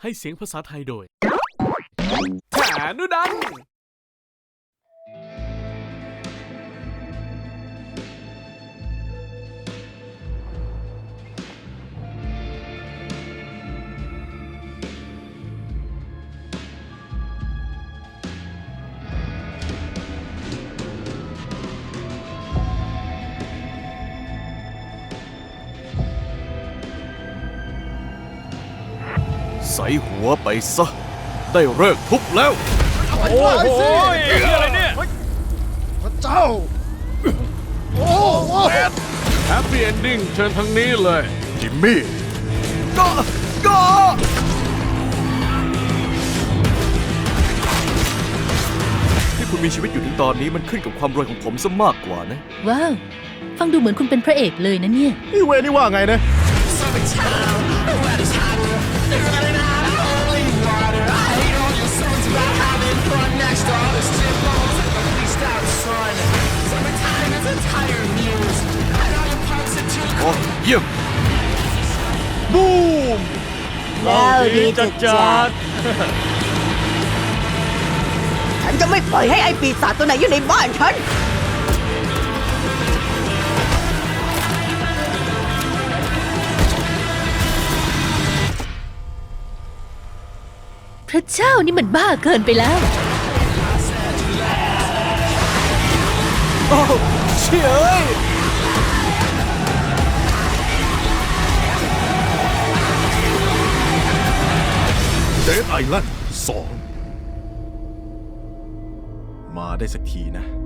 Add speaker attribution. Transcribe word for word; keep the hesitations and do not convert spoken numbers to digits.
Speaker 1: ให้เสียงภาษาไทยโดยฐานุดัน
Speaker 2: ใส่หัวไปซะได้เลิกทุบแล้ว
Speaker 1: โอ้โหอะไรเนี่ย
Speaker 3: พระเจ้าโอ้โห
Speaker 1: แฮปปี้เอนดิ้งเชิญทางนี้เลย
Speaker 2: จิมมี่ก็ก็ที่คุณมีชีวิตอยู่ถึงตอนนี้มันขึ้นกับความรวยของผมซะมากกว่านะ
Speaker 4: ว้าว ฟังดูเหมือนคุณเป็นพระเอกเลยนะเนี่ย
Speaker 3: นี่เวนี่ว่าไงนะ
Speaker 2: โอ้เยี่ยม
Speaker 3: บูม
Speaker 5: แล้วดีจัดจัดฉันจะไม่ปล่อยให้ไอ้ปีศาจตัวไหนอยู่ในบ้านฉัน
Speaker 4: พระเจ้านี่มันบ้าเกินไปแล้ว
Speaker 2: โอ้เชี่ยเอ้ยเดดไอแลนด์สองมาได้สักทีนะ